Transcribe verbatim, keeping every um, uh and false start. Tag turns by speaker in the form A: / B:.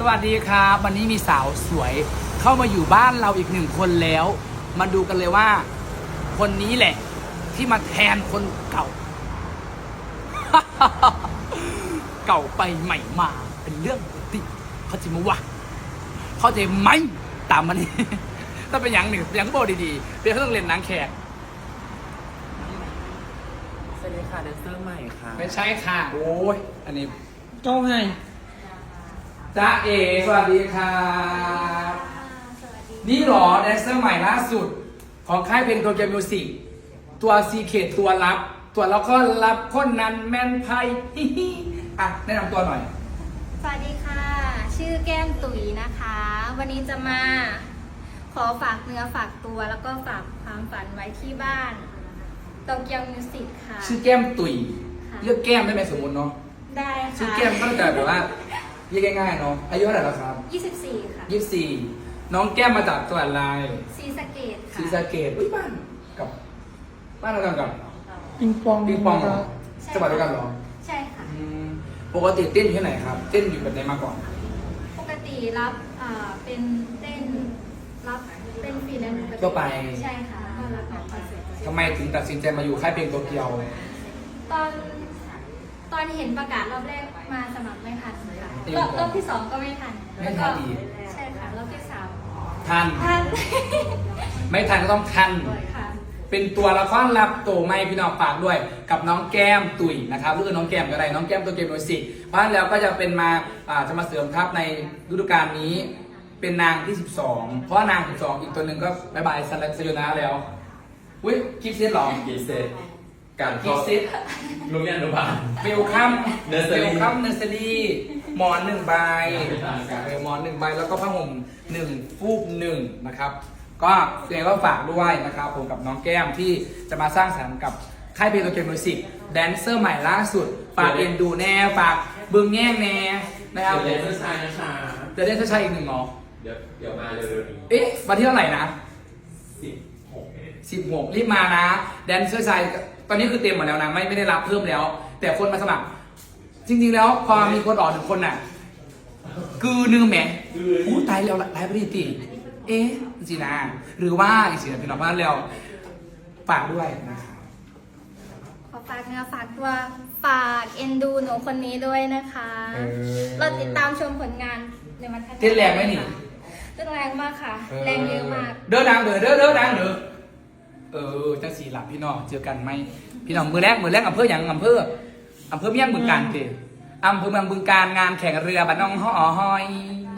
A: วัสดีครับวันนี้มีสาวสวยเข้ามาอยู่บ้านเราอีกหนึ่งคนแล้ว มาดูกันเลยว่า คนนี้แหละ ที่มาแทนคนเก่า เก่าไปใหม่มาเป็นเรื่องปกติเขาจะมาวะเขาจะไหมตามมันนี่ ถ้าเป็นอย่างหนึ่งอย่างก็บอกดีๆเป็นเขาต้องเล่นนางแขก
B: สวัสดีค่ะแดนเซอร์ใหม่ค่ะ
A: ไม่ใช่ค่ะ โอ้ยอันนี้
C: เจ้าไง
A: จ้าเอสวัสดีครับ นี่หรอแดนเซอร์ใหม่ล่าสุด ของค่ายเพลงโตเกียวมิวสิกตัวซีเคทตัวรับ ตัวแล้วก็รับคนนั้นแมนไพฮิฮิอ่ะแนะนำตัวหน่อย
D: สวัสดีค่ะ ชื่อแก้มตุ๋ยนะคะ วันนี้จะมาขอฝากเนื้อฝากตัวแล้วก็ฝากความฝันไว้ที่บ้านโตเกียวมิวสิกค่ะ
A: ชื่อแก้มตุ๋ย
D: ค่ะ
A: เรียกแก้มได้ไหมสมมติเนาะ
D: ได้ค่ะ
A: ชื่อแก้มก็จะแบบว่าเรียกง่ายๆเนาะอายุเท่าไหร่แล้วครับ
D: ยี่สิบสี่ค่ะ
A: ยี่สิบสี่น้องแก้มมาจากจังหวัดอะไร
D: ซีสะเกตค่ะ
A: ศรีสะเกษอุ้ยบ้านกับบ้านเรากันกับ
C: ปิงปอง
A: ปิงปองเหรอ
D: ใช่
A: จังหวัดเดียวกันเหรอ
D: ใช่ค่ะ
A: อืมปกติเต้นอยู่ที่ไหนครับ เต้นอยู่แบบไหนมาก่อน
D: ปกติรับอ่าเป็นเต้นรับเป็นฟรีแลนซ์กติ
A: ทั่วไป
D: ใช่ค่ะแล้วก็รับออกคอนเสิร์ต
A: ทำไมถึงตัดสินใจมาอยู่ค่ายเพลงโตเกียว
D: ตอนตอนเห็นประกาศรอบแรกมาสมัครไม่ทันค่ะ
A: เอง
D: รอบ
A: ก่อน
D: รอบที่สองก็ไม่ทัน
A: ไม่ทันอีก
D: ใช่ค่ะรอบที่สาม
A: ทัน
D: ทัน
A: ไม่ทันก็ต้องทัน
D: ค่ะ
A: เป็นตัวละครลับโตไม่พี่น้องฝากด้วย กับน้องแก้มตุ๋ยนะครับหรือน้องแก้มก็ได้น้องแก้มตัวเกมมิวสิกเพราะฉะนั้นแล้วก็จะเป็นมาอ่าจะมาเสริมทัพในฤดูกาลนี้ เป็นนางที่สิบสองเพราะว่านางสิบสองอีกตัวหนึ่งก็บายบายสลักสยนาแล้วอุ้ยคลิปเซตหรอ
B: กีเซตการ
A: คลิปเซต
B: โรงเรียนอนุบาล
A: เวลคัม
B: Nursery
A: เวลคัมเนอร์เซอรี่หมอนหนึ่งใบ
B: ใช่
A: เออหมอนหนึ่งใบแล้วก็ผ้าห่มหนึ่งฟูกหนึ่งนะครับ ก็ยังไงก็ฝากด้วยนะครับผมกับน้องแก้มที่จะมาสร้างสรรค์กับค่ายเพลงโตเกียวมิวสิกแดนเซอร์ใหม่ล่าสุด ฝากเอ็นดูแน่ ฝากบึงแง่งแน่นะครับ
B: เดี๋ยวแดนเซอร์ชายนะคะ
A: จะได้เชายอีกหนึ่งเหรอ
B: เดี๋ยวเดี๋ยวมาเร็วๆนี้
A: เอ๊ะวันที่เท่าไหร่นะ
B: สิบหก
A: สิบหกรีบมานะแดนเซอร์ชายตอนนี้คือเต็มหมดแล้วนะไม่ไม่ได้รับเพิ่มแล้ว แต่คนมาสมัคร จริงๆแล้วพอมีคนออกหนึ่งคนน่ะคือหนึ่งแหมอู้ตายแล้วไลฟ์ปฏิทินเอ๊ะสินะหรือว่าอีกสินะพี่น้องบ้านแล้วฝากด้วยนะครับ
D: ขอฝากเนื้อฝากตัวฝากเอ็นดูหนูคนนี้ด้วยนะคะ
A: เออ
D: เราติดตามชมผลงานในวันข้างหน้า
A: เต้นแรงไหมนี่
D: เต้นแรงมากค่ะ แรงเยอะมาก
A: เด้อดังเด้อเด้อเด้อดังเด้อเออจังสีหลับพี่น้องเจอกันไหมพี่น้องมือแรกมือแรกอำเภออย่างอำเภออำเภอเมียงบึงการเตอำเภอเมืองบึงการงานแข่งเรือบ้านน้องห่อหอย